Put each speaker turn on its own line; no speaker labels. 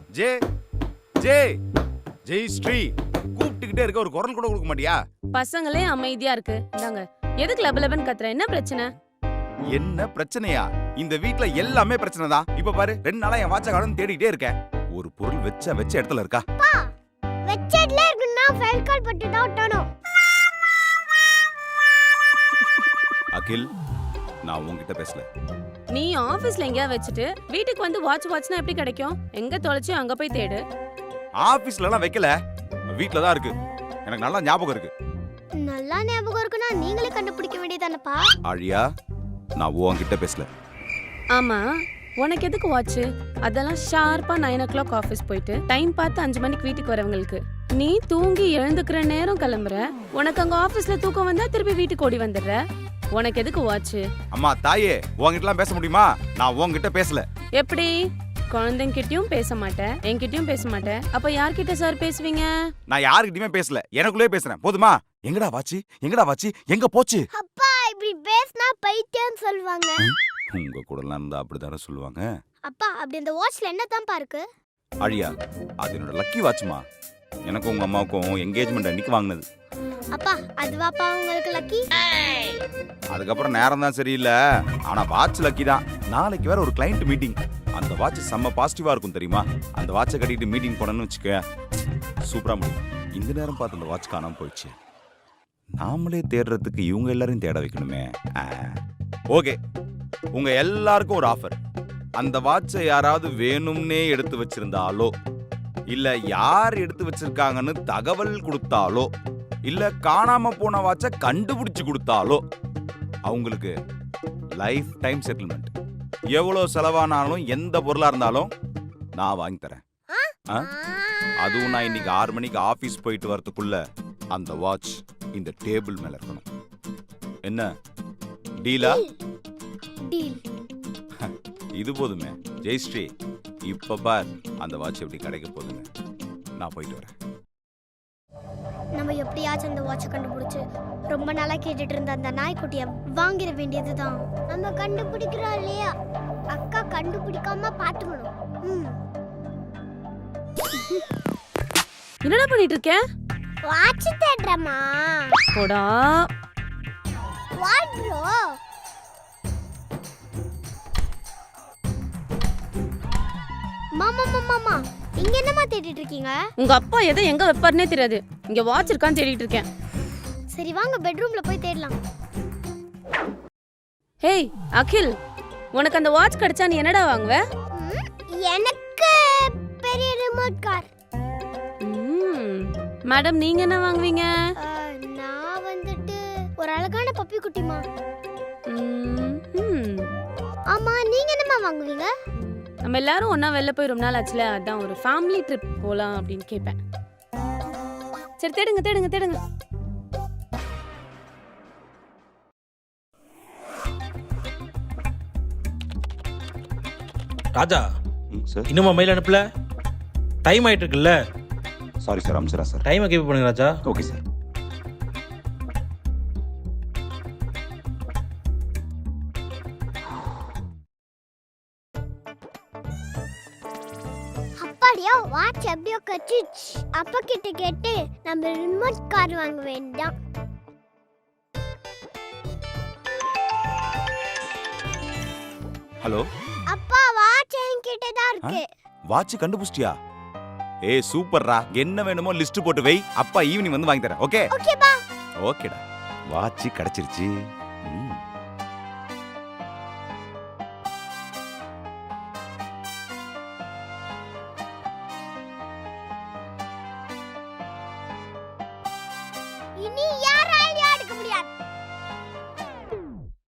J ஜே ஜெய் ஸ்ரீ கூப்பிட்டுக்கிட்டே இருக்க, ஒரு குரல் கூட கொடுக்க மாட்டியா?
பசங்களே அமைதியா இருக்கு. இந்தாங்க. எதுக்கு லபலபன் கத்துற? என்ன பிரச்சனை?
என்ன பிரச்சனையா? இந்த வீட்ல எல்லாமே பிரச்சனை தான். இப்ப பாரு, 2 நாளா என் வாட்ச காணோம்னு தேடிட்டே இருக்கேன். ஒரு பொருள் வச்ச இடத்துல இருக்கா?
வெச்சட்ல இருக்குன்னா ஃபைல் கால் பட்டு தான் ஒட்டணும்.
அகில், நான் உன்கிட்ட பேசல.
நீ ஆபீஸ்ல எங்கயா வச்சுட்டு வீட்டுக்கு வந்து வாட்ச்னா எப்படி கிடைக்கும்? எங்க தொலைச்சு அங்க போய் தேடு.
ஆபீஸ்ல எல்லாம் வைக்கல, வீட்ல தான் இருக்கு. எனக்கு நல்லா ஞாபகம் இருக்கு.
நல்லா ஞாபகம் இருக்குன்னா நீங்களே கண்டுபிடிக்க வேண்டியதானப்பா.
ஆழியா, நான் உன்கிட்ட பேசல.
ஆமா, உனக்கு எதுக்கு வாட்ச்? அதெல்லாம் ஷார்ப்பா 9 o'clock ஆபீஸ் போயிட்டு டைம் பார்த்து 5 மணிக்கு வீட்டுக்கு வரவங்களுக்கு. நீ தூங்கி எழுந்துக்கிற நேரம் கிளம்புற. உனக்கு அங்க ஆபீஸ்ல தூக்கம் வந்தா திருப்பி வீட்டுக்கு ஓடி வந்துடுற. உனக்கு எதுக்கு வாட்ச்?
அம்மா தாயே, உன்கிட்டலாம் பேச முடியுமா? நான் உன்கிட்ட பேசல.
எப்படி? குழந்தைங்கிட்டயும் பேச மாட்டேன், என்கிட்டயும் பேச மாட்டேன். அப்ப யார்கிட்ட சார் பேசுவீங்க?
நான் யாருக்கிட்டயுமே பேசல, எனக்குள்ளே பேசுறேன். போதுமா? எங்கடா வாட்சி? எங்கடா வாட்சி? எங்க போச்சு?
அப்பா இப்படி பேசினா பைத்தியம் சொல்வாங்க.
உங்க கூடலாம் இருந்தா அப்படிதானே சொல்லுவாங்க.
அப்பா அப்படி அந்த வாட்ச்ல என்னதான்ப்பா இருக்கு?
அழியா, அது என்னோட லக்கி வாட்ச்மா. எனக்கும் உங்க அம்மாவுக்கும் என்கேஜ்மெண்ட் அன்னைக்கு வாங்கினது.
அப்பா அதுவாப்பா உங்களுக்கு லக்கி?
அதுக்கப்புறம் நேரம் தான் சரியில்லை, ஆனா வாட்ச் லக்கி தான். நாளைக்கு வேற ஒரு கிளைண்ட் மீட்டிங். அந்த வாட்ச் செம்ம பாசிட்டிவா இருக்கும் தெரியுமா? அந்த வாட்சை கட்டிட்டு மீட்டிங் போனேன்னு வச்சுக்க, சூப்பரா முடியும். இந்த நேரம் பார்த்து அந்த வாட்ச் காணாம போயிடுச்சு. நாமளே தேடுறதுக்கு இவங்க எல்லாரையும் தேட வைக்கணுமே. ஓகே, உங்க எல்லாருக்கும் ஒரு ஆஃபர். அந்த வாட்சை யாராவது வேணும்னே எடுத்து வச்சிருந்தாலோ, இல்ல யார் எடுத்து வச்சிருக்காங்கன்னு தகவல் கொடுத்தாலோ, இல்ல காணாம போன வாட்சை கண்டுபிடிச்சு கொடுத்தாலோ அவங்களுக்கு லைஃப் டைம் செட்டில்மெண்ட். எவ்வளவு செலவானாலும் எந்த பொருளா இருந்தாலும் நான் வாங்கி தரேன். அதுவும் நான் இன்னைக்கு 6 மணிக்கு ஆபீஸ் போயிட்டு வரதுக்குள்ள அந்த வாட்ச் இந்த டேபிள் மேல இருக்கணும். என்ன டீலா?
டீல்.
இது போதுமே ஜெயஸ்ரீ. இப்ப பார் அந்த வாட்ச் எப்படி கிடைக்க போகுதுன்னு. நான் போயிட்டு வரேன்.
நம்ம எப்படியாச்சும் அந்த வாட்சை கண்டுபிடிச்சு ரொம்ப நாளா கேட்டுட்டு இருந்த அந்த நாய்க்குட்டியை வாங்கிட வேண்டியதுதான். நம்ம கண்டுபிடிக்கிறோம் இல்லையா? அக்கா கண்டுபிடிக்காம பாத்துக்கணும்.
என்னடா பண்ணிட்டு இருக்க?
வாட்ச் தேடுறமா?
போடா.
What bro? மாமா மாமா இங்க என்னமா தேடிட்டு இருக்கீங்க?
உங்க அப்பா எதை எங்க வைப்பாருனே தெரியாது. இங்க வாட்ச் இருக்கான்னு தேடிட்டு இருக்கேன்.
சரி வாங்க பெட்ரூம்ல போய் தேடலாம்.
ஹேய் அகில், உனக்கு அந்த வாட்ச் கிடைச்சா நீ என்னடா வாங்குவ?
எனக்கு பெரிய ரிமோட் கார்.
மேடம், நீங்க என்ன வாங்குவீங்க?
நான் வந்துட்டு ஒரு அழகான பப்பி குட்டிமா. ஆமா, நீங்க என்னமா வாங்குவீங்க?
நம்ம எல்லாரும் ஒண்ணா வெளில போய் ரொம்ப நாள் ஆச்சுல, அதான் ஒரு ஃபேமிலி ட்ரிப் போலாம் அப்படின்னு கேட்பேன். சரி தேடுங்க தேடுங்க தேடுங்க.
ராஜா,
சார்.
இன்னுமா மெயில் அனுப்பல? டைம் ஆயிட்டு இருக்குல்ல?
சாரி சார், அம்சரா சார்.
டைமை கீப் பண்ணுங்க ராஜா.
Okay sir.
அப்படியே வாட்ச் எப்படியோ கச்சிச்சு. அப்பா கிட்ட கேட்டு நம்ம ரிமோட் கார் வாங்க வேண்டாம்.
ஹலோ
அப்பா, வாட்ச் என்கிட்ட தான் இருக்கு.
வாட்ச் கண்டுபிடிச்சிட்டியா? ஏய் சூப்பர்ரா. என்ன வேணுமோ லிஸ்ட் போட்டு வை, அப்பா ஈவினிங் வந்து வாங்கி தரேன். ஓகே?
ஓகே பா.
ஓகேடா. வாட்ச் கிடைச்சிருச்சு.
இனி